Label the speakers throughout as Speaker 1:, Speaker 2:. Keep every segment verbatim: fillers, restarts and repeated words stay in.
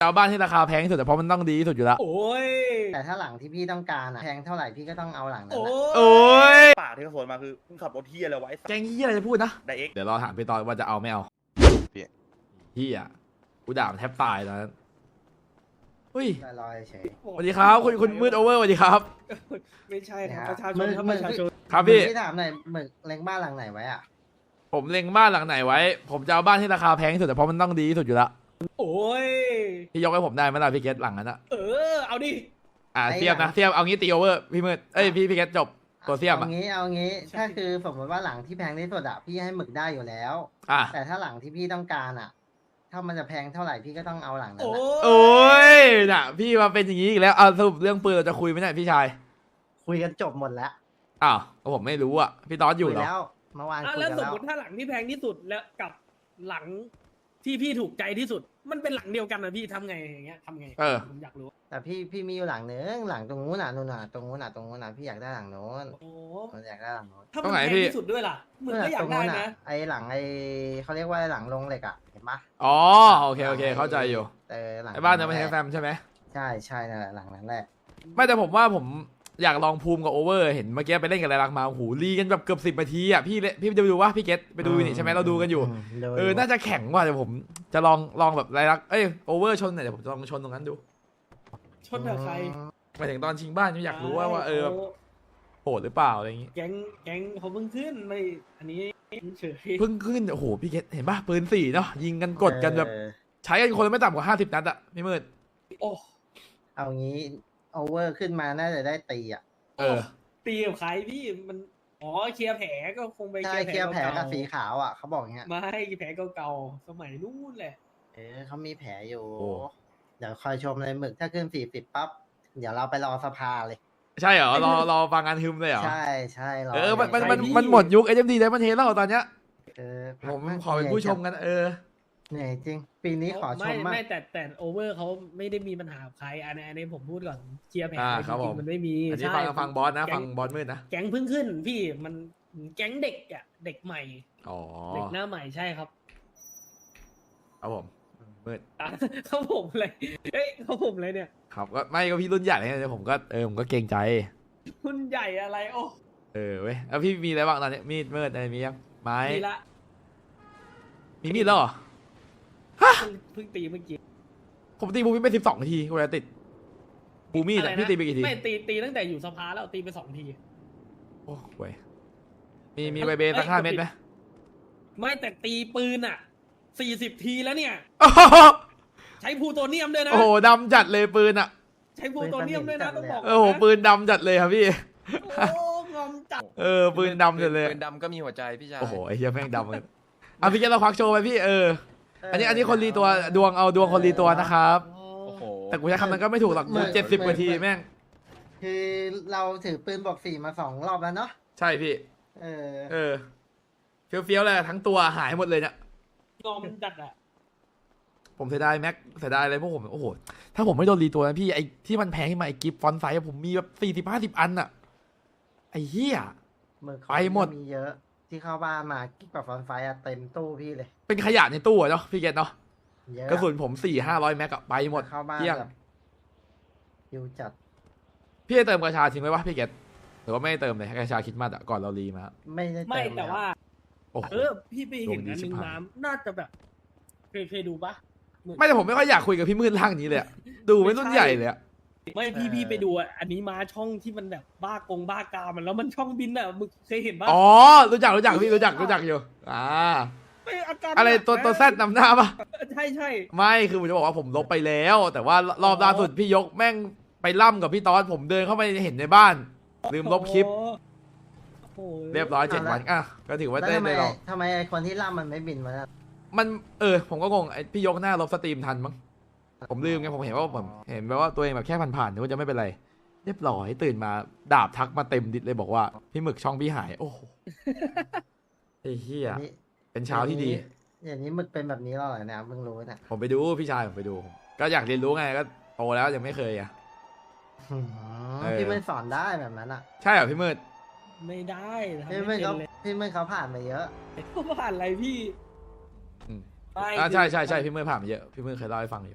Speaker 1: จะเอาบ้านที่ราคาแพงที่สุดแต่เพราะมันต้องดีที่สุดอยู่แล้ว
Speaker 2: โอ้ย
Speaker 3: แต่ถ้าหลังที่พี่ต้องการอะแพงเท่าไหร่พี่ก็ต้องเอาหลังนั้น
Speaker 2: โอ้
Speaker 3: แหละ
Speaker 1: โอ้ย
Speaker 4: ปากที่เขาสวนมาคือมึงขับรถเฮียอะไรไวะไอ้สัส
Speaker 1: แกงเฮียอะไรจะพูดนะ
Speaker 4: ไดเอ็กซ์
Speaker 1: เดี๋ยวรอถามพี่ตอนว่าจะเอาไม่เอา
Speaker 5: พี่
Speaker 1: เฮียกูด่ามันแทบตายตอนนั้นเฮ้ย
Speaker 3: ลอยๆเฉย
Speaker 1: สวัสดีครับคุณคุณมืดโอเวอร์สวัสดีครับ
Speaker 2: ไม่ใช่ครับ
Speaker 3: นะ
Speaker 2: ประชาช
Speaker 3: มึ
Speaker 2: น
Speaker 3: ง
Speaker 2: ครับ
Speaker 3: มึ
Speaker 2: ป
Speaker 3: ง
Speaker 2: ระชาชน
Speaker 1: ครับพี่
Speaker 3: พี่ถามหน่อยหมึกเล็งบ้านหลังไหนไว้อะ
Speaker 1: ผมเล็งบ้านหลังไหนไว้ ผมจะเอาบ้านที่ราคาแพงที่สุดแต่เพราะมันต้องดีที่สุดอยู่แล้ว
Speaker 2: โอ้ย
Speaker 1: พี่ยกให้ผมได้ไหมล่ะพี่เกตหลังนั้นอะ
Speaker 2: เออเอาดิ
Speaker 1: อ่าเทียบนะเทียบเอางี้ตีโอเวอร์พี่มืดเอ้ยพี่พี่เกตจบตัวเทียบ
Speaker 3: เอา
Speaker 1: อะ
Speaker 3: งี้เอางี้ถ้าคือสมมติว่าหลังที่แพงที่สุดอะพี่ให้หมึกได้อยู่แล้ว
Speaker 1: อ่ะ
Speaker 3: แต่ถ้าหลังที่พี่ต้องการอะถ้ามันจะแพงเท่าไหร่พี่ก็ต้องเอาหลังนั้น
Speaker 2: โอ้
Speaker 3: แหละ
Speaker 1: โอ้ยน่ะพี่มาเป็นอย่างนี้อีกแล้วเอาสรุปเรื่องปืนเราจะคุยไหมเนี่ยพี่ชาย
Speaker 3: คุยกันจบหมดแล้ว
Speaker 1: อ้าวก็ผมไม่รู้อ่ะพี่ตอนอยู่
Speaker 3: คุย
Speaker 1: เหรอ
Speaker 3: แล้วเมื่อวาน
Speaker 2: อ่ะ
Speaker 3: คุย
Speaker 2: แล้ว
Speaker 3: กัน
Speaker 2: สม
Speaker 3: แล้ว
Speaker 2: มติถ้าหลังที่แพงที่สุดแล้วกับหลังที่พี่ถูกใจที่สุด มันเป็นหลังเดียวกันนะพี่ทำไงอย่างเงี้ยทำไง
Speaker 1: เออ
Speaker 2: ผมอยากรู้
Speaker 3: แต่พี่พี่มีอยู่หลังนึงหลังตรงนู้นน่ะนู่นน่ะตรงนู้นน่ะตรงนู้นน่ะพี่อยากได้หลังโน้น
Speaker 2: โอ้
Speaker 3: ผมอยากได้หลังโน้น
Speaker 2: ถ้า
Speaker 1: ตร
Speaker 2: มัน
Speaker 1: งไหน
Speaker 2: แพง
Speaker 1: พี่
Speaker 2: ที่สุดด้วยล่ะมึงก็อยา
Speaker 3: ต
Speaker 2: ก
Speaker 3: รง
Speaker 2: ได้
Speaker 3: นู้นน่ะ
Speaker 2: นะ
Speaker 3: ไอหลังไอเขาเรียกว่าหลังลงเหล็กอะเห็นปะ
Speaker 1: อ๋อโอเคโอเคเข้าใจอยู่
Speaker 3: เออหลัง
Speaker 1: ไอ้บ้านนั้นไม่ใช่แฟมใช่ไหม
Speaker 3: ใช่ใช่นั่นแหละหลังนั้นแหละ
Speaker 1: ไม่แต่ผมว่าผมอยากลองภูมิกับโอเวอร์เห็นเมื่อกี้ไปเล่นกับไรลักมาโอ้โหรีกันแบบเกือบสิบนาทีอ่ะพี่เล่นพี่จะไปดูว่าพี่เกตไปดูนี่ใช่ไหมเราดูกันอยู่
Speaker 3: ดู
Speaker 1: เออน่าจะแข็งกว่าเดี๋ยวผมจะลองลองแบบไรลักเอ้ยโอเวอร์ชนหน่อยเดี๋ยวผมจะลองชนตรงนั้นดู
Speaker 2: ชนกับใคร
Speaker 1: หมายถึงตอนชิงบ้านอยากรู้ว่าว่าเออโหดหรือเปล่าอะไรอย่างงี้
Speaker 2: แก๊งแก๊งเขาเพิ่งขึ้นไม่อันนี้เฉย
Speaker 1: เพิ่งขึ้นโอ้โหพี่เกตเห็นป่ะปืนสี่เนาะยิงกันกดกันแบบ
Speaker 3: เออ
Speaker 1: ใช้กันคนละไม่ต่ำกว่าห้าสิบนัดอะพี่มืด
Speaker 2: โอ้
Speaker 3: เอางี้โอเวอร์ขึ้นมาน่าจะได้ตีอ่ะ
Speaker 1: เออ
Speaker 2: ตีกับใครพี่มันอ๋อเคลียร์แผลก็คงไป
Speaker 3: ใช่เคลียร์แผลกับ
Speaker 2: เก่าๆ
Speaker 3: สีขาวอ่ะเขาบอกอย่างเงี้ย
Speaker 2: ไม่แผลเก่าๆสมัยนู้นแหละ
Speaker 3: เออเขามีแผลอยู่
Speaker 1: โอ้
Speaker 3: เดี๋ยวคอยชมเลยหมึกถ้าขึ้นสี่สิบปั๊บเดี๋ยวเราไปรอสภาเลย
Speaker 1: ใช่เหรอรอรอฟังงานฮึมเลยเหรอ
Speaker 3: ใช่ใช่รอ
Speaker 1: เออมันมัน
Speaker 3: ใช่
Speaker 1: มัน
Speaker 3: พี่
Speaker 1: มันหมดยุคเอ็มดีได้มันเทแล้วตอนเนี้ย
Speaker 3: เออ
Speaker 1: ผมขอเป็นผู้ชมกันเออ
Speaker 3: เหนื่อยจริง ปีนี้ขอช
Speaker 2: ไม่
Speaker 3: มมาก
Speaker 2: ไม่แต่แต่โอเวอร์เขาไม่ได้มีปัญหากับใครอันนี้อันนี้ผมพูดก่อนเคลียร์แผล
Speaker 1: อ่า
Speaker 2: จ
Speaker 1: ครับผ
Speaker 2: ริ
Speaker 1: ม
Speaker 2: งๆมันไม่มี
Speaker 1: อันนี้
Speaker 2: ใช่
Speaker 1: ฟังฟังบอสนะ
Speaker 2: แก๊
Speaker 1: ฟังบอสมืดนะ
Speaker 2: แก๊งเพิ่งขึ้นพี่มันแก๊งเด็กอ่ะเด็กใหม่
Speaker 1: อ๋อ
Speaker 2: เด็กหน้าใหม่ใช่ครับ
Speaker 1: ครับผมมืด
Speaker 2: อ่ะเขาผมเลยเอ้ยเขาผมเลยเนี่ย
Speaker 1: ครับก็ไม่ก็พี่รุ่นใหญ่ไงผมก็เออผมก็เกรงใจ
Speaker 2: คุณใหญ่อะไรโอ้
Speaker 1: เออเว้ยแล้วพี่มีอะไรบ้างตอนนี้มีดมืดอะไรมียังไม้
Speaker 2: มีละ
Speaker 1: มีมีดแล้วเหรอ
Speaker 2: เพิ่งเพิ่งตีเมื่อกี้
Speaker 1: ผมตีบูมี่ไปสิบสองนาทีกูจะติดบูมี่
Speaker 2: อะไร
Speaker 1: แต่
Speaker 2: นะ
Speaker 1: พี่ตีไปกี่ที
Speaker 2: ไม่ตีตีตั้งแต่อยู่สภาแล้วตีไปสองที
Speaker 1: โอ้เว้ยมีมีใบเบสักห้าเม็ดไหม
Speaker 2: ไม่แต่ตีปืนอ่ะสี่สิบทีแล้วเนี่ย
Speaker 1: โอ้โห
Speaker 2: ใช้พลูโตเนียมด้วยนะ
Speaker 1: โอ้โหดำจัดเลยปืนอ่ะ
Speaker 2: ใช้พลูโตเนียมด้วยนะต้องบอก
Speaker 1: โอ้โหปืนดำจัดเลยครับพี่
Speaker 2: โอ้งอมจัด
Speaker 1: เออปืนดำจัดเลย
Speaker 5: ปืนดำก็มีหัวใจพี่ชาย
Speaker 1: โอ้โหไอ้เหี้ยแม่งดำเลยอ่ะพี่แกเราควักโชว์ไปพี่เออ อันนี้อันนี้คนรีตัวดวงเอาดวงคนรีตัวนะครับ
Speaker 5: โอ้โห
Speaker 1: แต่กูใช้คำนั้นก็ไม่ถูกหรอกเจ็ดสิบกว่าทีแม่ง
Speaker 3: คือเราถือปืนบอกสี่มาสองรอบแล้วเนาะ
Speaker 1: ใช่พี่
Speaker 3: เออ
Speaker 1: เออเฟี้ยวๆเลยทั้งตัวหายหมดเลยเนี่ย
Speaker 2: งอมจัดอ่ะ
Speaker 1: ผมเสียดายแม็กเสียดายอะไรพวกผมโอ้โหถ้าผมไม่โดนรีตัวนะพี่ไอ้ที่มันแพงขึ้นมาไอ้กิฟต์ฟอนต์ไซส์อะผมมีแบบสี่สิบห้าสิบอันอะไอ้เหี้ย
Speaker 3: มือ
Speaker 1: ไปหมด
Speaker 3: มีเยอะ ที่เข้าบ้านมากิ๊กกับฟอนไฟอะเต็มตู้พี่เลย
Speaker 1: เป็นขยะในตู้อะเนาะพี่เกตเนาะ
Speaker 3: เยอะ
Speaker 1: กระสุนผมสี่ห้าร้อยแม็กอะไปหมด
Speaker 3: เข้าบ้าน
Speaker 1: เที่ยง
Speaker 3: แบบยิวจัด
Speaker 1: พี่จะเติมกระชาทิ้งไว้ปะพี่เกตหรือว่าไม่ได้เติมเลยให้กระชาคิดมาอะก่อนเรารีมา
Speaker 3: ไม่ได้
Speaker 2: ไม่
Speaker 3: เติม
Speaker 2: แต่ว่า
Speaker 1: โอ้โห
Speaker 2: เออ พี่ไปเห็น
Speaker 1: ดวงดี
Speaker 2: อันห
Speaker 1: ชิ
Speaker 2: นึ่
Speaker 1: บ
Speaker 2: ง
Speaker 1: หาย
Speaker 2: น้ำน่าจะแบบเคยเคยดูปะ
Speaker 1: ไม่แต่ผมไม่ค่อยอยากคุยกับพี่มืดร่างนี้เลยอะดูไม่รุ่นใหญ่เลยอะ
Speaker 2: ไม่พี่พี่ไปดูอ่ะอันนี้มาช่องที่มันแบบบ้ากงบ้ากามันแล้วมันช่องบินอ่ะมึงเคยเห็นปะ
Speaker 1: อ๋อรู้จักรู้จักพี่รู้จักรู้จักอยู่อ่า
Speaker 2: ไม่อาการ
Speaker 1: อะไร
Speaker 2: หนัก
Speaker 1: ตัว
Speaker 2: นะ
Speaker 1: ตัวแซดนำหน้าปะ
Speaker 2: ใช่ใช่
Speaker 1: ไม่คือผมจะบอกว่าผมลบไปแล้ว แต่ว่ารอบล่าสุดพี่ยกแม่งไปล่ำกับพี่ตอนผมเดินเข้าไปเห็นในบ้าน ลืมลบคลิป
Speaker 2: โอ้โห
Speaker 1: เรียบร้อยเจ็ดวันอ่ะก็ถือว่า
Speaker 3: แล้ว
Speaker 1: ได้
Speaker 3: ทำไม
Speaker 1: ได้ลอง
Speaker 3: ทำไมไอ้คนที่ล่ำมันไม่บินมาล่ะ
Speaker 1: มันเออ ผมก็งงไอพี่ยกหน้าลบสตรีมทันมั้งผมลืมไงผมเห็นว่าผมเห็นแบบว่าตัวเองแบบแค่ผ่านๆนึกว่าจะไม่เป็นไร เรียบร้อยตื่นมาดาบทักมาเต็มดิสเลยบอกว่าพี่หมึกช่องพี่หายโอ้โหไอ้เหี้ย
Speaker 3: นี่
Speaker 1: เป็นเช้าที่ดี
Speaker 3: อย่างนี้มึกเป็นแบบนี้แล้วเหรอเนี่ยเพิ่งรู้เนี่ย
Speaker 1: ผมไปดูพี่ชายผมไปดู ก็อยากเรียนรู้ไงก็โตแล้วยังไม่เคยอ่ะ
Speaker 3: หืม
Speaker 1: เออ
Speaker 3: พี่ไม่สอนได้แบบนั้นอ่ะ
Speaker 1: ใช่เหรอพี่มืด
Speaker 2: ไม่ได้ทำ
Speaker 3: พี่
Speaker 2: ไม่
Speaker 3: ไม่
Speaker 2: เป็น
Speaker 3: เขา
Speaker 2: เลย
Speaker 3: พี่ไม่เขาผ่านมาเยอะ
Speaker 2: เขาผ่านอะไรพี่
Speaker 1: อืม
Speaker 2: ไม่
Speaker 1: อ่า
Speaker 2: คือ
Speaker 1: ใช่ใช่ใช่พี่มืดผ่านมาเยอะพี่มืดเคยเล่าให้ฟังอยู่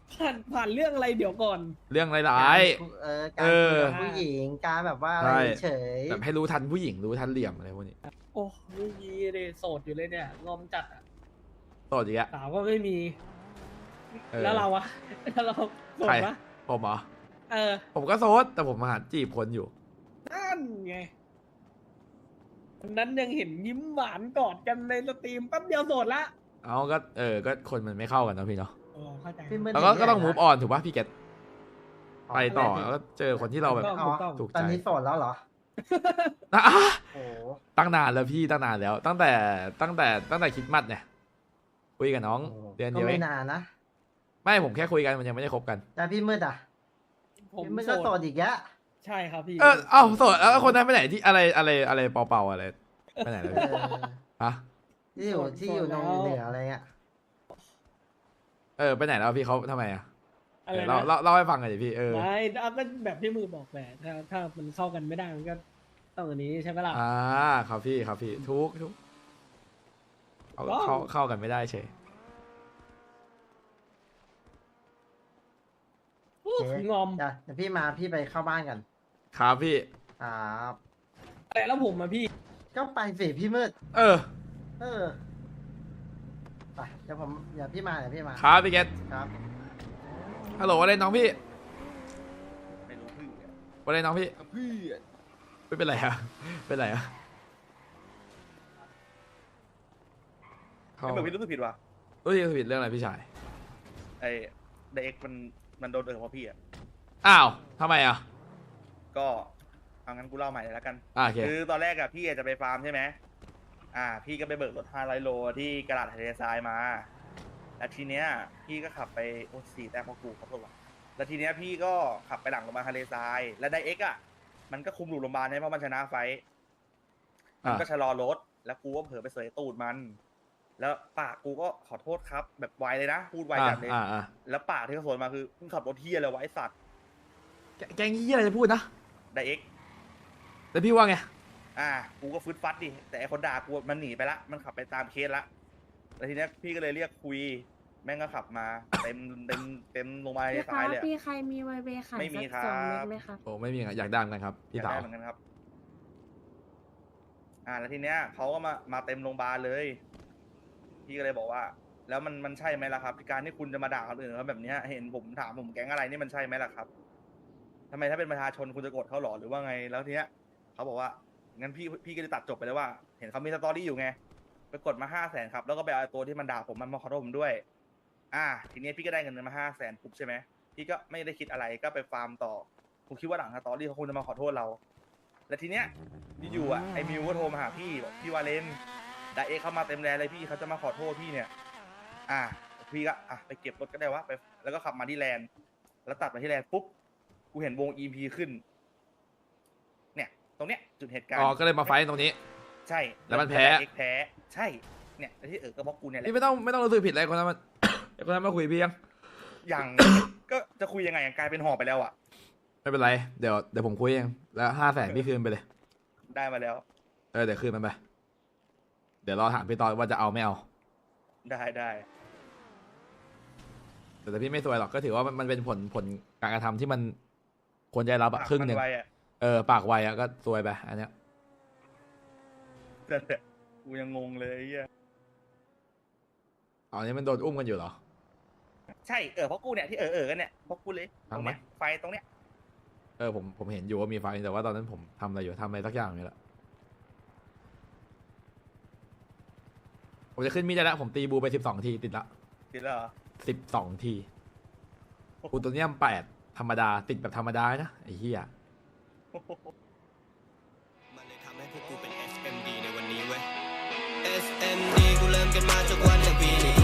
Speaker 2: ผ่านผ่านเรื่องอะไรเดี๋ยวก่อน
Speaker 1: เรื่องร้าย
Speaker 3: เออ
Speaker 1: เอ
Speaker 3: การ
Speaker 1: อ
Speaker 3: คุยกับผู้หญิงการแบบว่าอะไร
Speaker 1: ใช่
Speaker 3: เฉย
Speaker 1: ๆแบบให้รู้ทันผู้หญิงรู้ทันเหลี่ยมอะไรพวกนี้
Speaker 2: โอ้ไม่มีเลยโสดอยู่เลยเนี่ยงอมจัดอะ
Speaker 1: โสดอีกอะ
Speaker 2: สาวก็ไม่มี
Speaker 1: เออ
Speaker 2: แล้วเราอะแล้วเราโสด
Speaker 1: ใคร
Speaker 2: ปะ
Speaker 1: ผมเหรอ
Speaker 2: เออ
Speaker 1: ผมก็โสดแต่ผมมาหาจีบคนอยู่
Speaker 2: นั่นไงวันนั้นยังเห็นยิ้มหวานกอดกันในสตรีมแป๊บเดียวโสดละ
Speaker 1: เอาก็เออก็คนมันไม่เข้ากันเนอะพี่เนาะ
Speaker 2: โอ้เข้าใจ
Speaker 3: พี่มืด
Speaker 1: แล้วก็
Speaker 3: ย่า
Speaker 1: ก็ต้อง
Speaker 3: เย
Speaker 1: มูฟออนถูกป่ะพี่เกตไปต่อ
Speaker 3: อะไร
Speaker 1: แล้วก็เจอคนที่เราแบบ
Speaker 3: อ๋อ
Speaker 1: ถูกใจ
Speaker 3: ตอนนี้โสดแล้วเหรอ
Speaker 1: อ่ะ
Speaker 3: โอ้โห
Speaker 1: ตั้งนานแล้วพี่ตั้งนานแล้ว ตั้งแต่ตั้งแต่ตั้งแต่คริดมัดเนี่ยคุยกับน้องเดือน
Speaker 3: ก็
Speaker 1: เดียวเอ
Speaker 3: ไม่
Speaker 1: ง
Speaker 3: นานนะ
Speaker 1: ไม่ผมแค่คุยกันมันยังไม่ได้คบกัน
Speaker 3: แล้วพี่มืดอ่ะ
Speaker 2: ผม
Speaker 3: พี่มืด
Speaker 2: โส
Speaker 3: ก็โส
Speaker 2: ด
Speaker 3: ดอีกแล้ว
Speaker 2: ใช่ครับพี่
Speaker 1: เออเอ้าโสดแล้วคนนั้นไปไหนที่อะไรอะไรอะไรเป่าๆอะไรไปไหนเลย
Speaker 3: เออ
Speaker 1: ฮะ
Speaker 3: ที่อยู่ที่อยู่นงอยู่เหนืออะไรเงี้ย
Speaker 1: เออไปไหนแล้วพี่เขาทำไมอ่ะ
Speaker 2: อะไร
Speaker 1: เล่า
Speaker 2: นะ
Speaker 1: เล่าเล่าให้ฟังหน่อยดิพี่เออ
Speaker 2: ไม่เอาก็แบบที่มือบอกแหละถ้าถ้ามันเข้ากันไม่ได้มันก็ต้องอันนี้ใช่ไหมล่ะ
Speaker 1: อ่าครับพี่ครับพี่ทุกทุกเอา
Speaker 2: ว้าว
Speaker 1: เข้าเข้ากันไม่ได้เฉย
Speaker 2: อู้งอม
Speaker 3: เดี๋ยวเดี๋ยวพี่มาพี่ไปเข้าบ้านกัน
Speaker 1: ครับพี่
Speaker 3: ครับ
Speaker 2: แต่แล้วผมอะพี่
Speaker 3: ก็ไปสิพี่มืด
Speaker 1: เออ
Speaker 3: เออไปเดี๋ยวผมเดี๋ยวพี่มาเดี๋ยวพี่มา
Speaker 1: ครับพี่เกต
Speaker 3: ครับ
Speaker 1: ฮัลโหลอะไรน้องพี่
Speaker 4: ไม่รู้เพื่อน
Speaker 1: อะไรน้องพี่
Speaker 4: เพื่อน
Speaker 1: ไม่เป็นไรอะเป็นไรอะเขา
Speaker 4: ไม่เหมือนพี่รู้สึกผิดว่ะ
Speaker 1: รู้สึกผิดเรื่องอะไรพี่ชาย
Speaker 4: ไอ้ไดเอ็กมันมันโดนเออเพราะพี่อ่ะ
Speaker 1: อ้าวทำไมอ่ะ
Speaker 4: ก็เอางั้นกูเล่าใหม่เลยแล้วกัน
Speaker 1: อ่าโอเค
Speaker 4: คือตอนแรกอะพี่จะไปฟาร์มใช่ไหมอ่า พี่ก็ไปเบิกรถห้าร้อยโลที่กระดาษทะเลทรายมา แล้วทีเนี้ยพี่ก็ขับไปโอ้สี่แต้มพอกูขอโทษว่ะแล้วทีเนี้ยพี่ก็ขับไปหลังโรงพยาบาลทะเลทราย แล้วไดเอ็กอะมันก็คุมหลุดโรงพยาบาลใช่ไหมเพราะมันชนะไฟท์มัน
Speaker 1: อ่า
Speaker 4: ก็ชะลอรถ แล้วกูก็เผลอไปเสยตูดมัน แล้วปากกูก็ขอโทษครับ แบบไวเลยนะ พูดไว
Speaker 1: อ่า
Speaker 4: จัดเลย
Speaker 1: อ่าอ่า
Speaker 4: แล้วปากที่เขาสวนมาคือมึงขับรถเที่ยอะไรวะไอสัตว์
Speaker 1: แกแกงยี่อะไรจะพูดนะ
Speaker 4: ไดเอ็ก
Speaker 1: แล้วพี่ว่าไง
Speaker 4: อ่า กูก็ฟึดฟัดดิ แต่ไอคนด่ากูมันหนีไปละ มันขับไปตามเคสละ แล้วทีเนี้ยพี่ก็เลยเรียกคุย แม่งก็ขับมา เต็มเต็มเต็มลงมา
Speaker 5: พี่
Speaker 4: ใน
Speaker 5: คะ
Speaker 4: ซ้ายเลยอะ
Speaker 5: พี่ใครมีไวเบขาย
Speaker 4: ไม่มี
Speaker 5: สัก
Speaker 4: ครับ
Speaker 5: สองเม็ดไหมครับ
Speaker 1: โอ้ไม่มีอะอยากได้เหมือนกันครับ
Speaker 4: อ
Speaker 1: พี่
Speaker 4: ยาก
Speaker 1: สาว
Speaker 4: ได้เหมือนกันครับ อ่า แล้วทีเนี้ยเขาก็มามาเต็มโรงพยาบาลเลย พี่ก็เลยบอกว่า แล้วมันมันใช่ไหมล่ะครับการที่คุณจะมาด่าคนอื่นเขาแบบเนี้ย เห็นผมถามผมแก๊งอะไรนี่มันใช่ไหมล่ะครับทำไมถ้าเป็นประชาชนคุณจะโกรธเขาหรอหรือว่าไง แล้วทีเนี้ยเขาบอกว่างั้นพี่พี่ก็จะตัดจบไปเลยว่า เห็นเขามีสตอรี่อยู่ไงไปกดมาห้าแสนครับแล้วก็ไปเอาตัวที่มันด่าผมมันมาขอโทษผมด้วย อ่า ทีเนี้ยพี่ก็ได้เงินมาห้าแสนปุ๊บใช่ไหมพี่ก็ไม่ได้คิดอะไรก็ไปฟาร์มต่อผมคิดว่าหลังสตอรี่เขาคงจะมาขอโทษเรา แล้วทีเนี้ยอยู่ๆอ่ะไอ้มิวก็โทรมาหาพี่บอกพี่วาเลนไดเอ็กเข้ามาเต็มแรงเลยพี่เขาจะมาขอโทษพี่เนี่ย อ่ะพี่ก็อ่ะไปเก็บรถก็ได้วะไปแล้วก็ขับมาที่แลนด์แล้วตัดมาที่แลนด์ปุ๊บกูเห็นวง อี พี ขึ้น เนี่ย ตรงเนี้ยจุดเหตุการณ์
Speaker 1: อ๋อก็เลยมาไฟท์ตรงนี้
Speaker 4: ใช่
Speaker 1: แล้วมันแพ้
Speaker 4: เอ็กแพ้ใช่เนี่ยแล้วที่เออก็เพราะกูเนี่ยแหละ
Speaker 1: พี่ไม่ต้องไม่ต้องรู้สึกผิดอะไรคนนั้นมัน ไอ้คนนั้นมาคุยพี่ยัง
Speaker 4: อย่าง ก็จะคุยยังไงอย่างกลายเป็นหอบไปแล้วอ่ะ
Speaker 1: ไม่เป็นไรเดี๋ยวเดี๋ยวผมคุยเองแล้วห้าแสนพี่คืนไปเลย
Speaker 4: ได้มาแล้ว
Speaker 1: เออเดี๋ยวคืนมันไปเดี๋ยวรอถามพี่ตอนว่าจะเอาไม่เอา
Speaker 4: ได้ได้
Speaker 1: แต่แต่พี่ไม่ซวยหรอกก็ถือว่ามันมันเป็นผลผลการกระทำที่มันควรจะได้รับอะครึ่งหนึ่ง
Speaker 4: มันไวอ่ะ
Speaker 1: เออปากไวอะก็ซวยไปอันเนี้ย
Speaker 4: แต่แต่กูยังงงเลยไอ้เหี้ย
Speaker 1: อ๋อนี่มันโดนอุ้มกันอยู่เหรอ
Speaker 4: ใช่เออเพราะกูเนี่ยที่เออเออกันเนี่ยเพราะกูเลยต
Speaker 1: ฟั
Speaker 4: รง ง
Speaker 1: ไหม
Speaker 4: เนี้ยไฟตรงเนี้ย
Speaker 1: เออผมผมเห็นอยู่ว่ามีไฟแต่ว่าตอนนั้นผมทำอะไรอยู่ทำอะไรสักอย่างนี่แหละผมจะขึ้นมีดได้แล้วผมตีบูไปสิบสองทีติดละ
Speaker 4: ติดแล้วเหรอ
Speaker 1: สิบสองทีกูตัวเนี้ยแปดธรรมดาติดแบบธรรมดานะไอ้เหี้ย
Speaker 6: มันเลยทำให้พวกกูเป็น เอส เอ็ม ดี ในวันนี้เว้ย เอส เอ็ม ดี กูเริ่มกันมาจากวันละปีนี้